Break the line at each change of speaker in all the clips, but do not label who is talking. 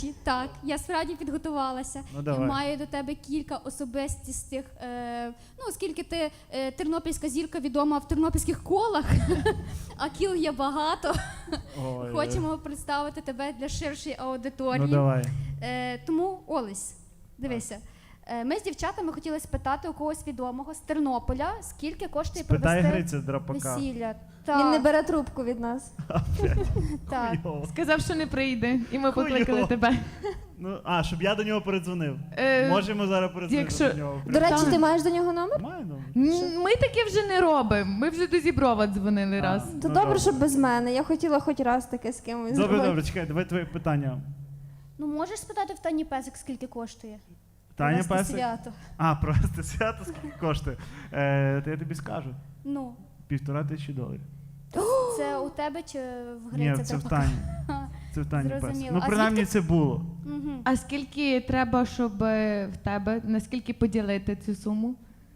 Так, я справді підготувалася.
Ну, давай.
Маю до тебе кілька особистістих. Оскільки ти тернопільська зірка відома в тернопільських колах, а кіл є багато.
Ой,
Хочемо представити тебе для ширшої аудиторії.
Ну давай.
Тому, Олесь, дивися. Ми з дівчатами хотіли спитати у когось відомого з Тернополя, скільки коштує
Спитай
провести
Гриця Драпака.
весілля.
Він не
Так,
бере трубку від нас.
так.
Хуйово.
Сказав, що не прийде, і ми покликали
Хуйово.
тебе.
Ну, щоб я до нього передзвонив.
Е,
Можемо зараз передзвонити
якщо-
до нього.
До речі, ти маєш до нього номер?
Маю номер.
Ми таке вже не робимо. Ми вже до Зіброва дзвонили раз.
То
Ну,
добре, що без мене. Я хотіла хоч раз таке з кимось
Добре,
зробити.
добре, чекай, давай твоє питання.
Ну можеш спитати в Тані Песик, скільки коштує?
Таня
Провести
Песик?
свято.
Провести свято скільки коштує? То я тобі скажу.
Ну,
$1500.
це у тебе чи в
Ні,
Гриця
це в
Драпака?
Тані. Це в Тані Песик.
Зрозуміло.
Ну,
А
принаймні
звідки-
це було.
Мгм.
А скільки треба, щоб в тебе, наскільки поділити цю суму?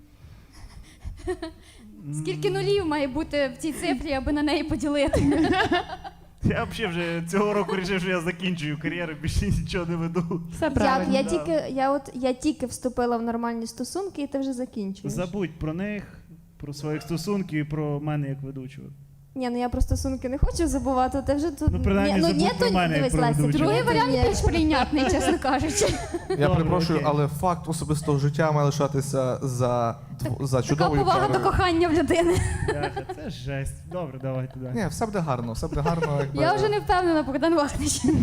Скільки нулів має бути в цій цифрі, аби на неї поділити?
Я взагалі вже цього року вирішив, що я закінчую кар'єру, більше нічого не веду.
Все
Як?
правильно.
Я тільки вступила в нормальні стосунки, і ти вже закінчуєш.
Забудь про них, про своїх стосунків і про мене як ведучого.
Ні, ну я про стосунки не хочу забувати, ти вже тут...
Ну, принаймні, забудь
ні,
про мене, як
дивись,
про
Леся,
ведучого.
Другий
ні,
варіант
ні.
більш прийнятний, чесно кажучи.
Я
Добре,
перепрошую,
окей.
але факт особистого життя має лишатися за
Така
чудовою
повага до
парою.
кохання в людини.
Бляха, це жесть. Добре, давай туди.
Ні, все буде гарно, все буде гарно. Якби...
Я вже не впевнена, Богдан Вахнич.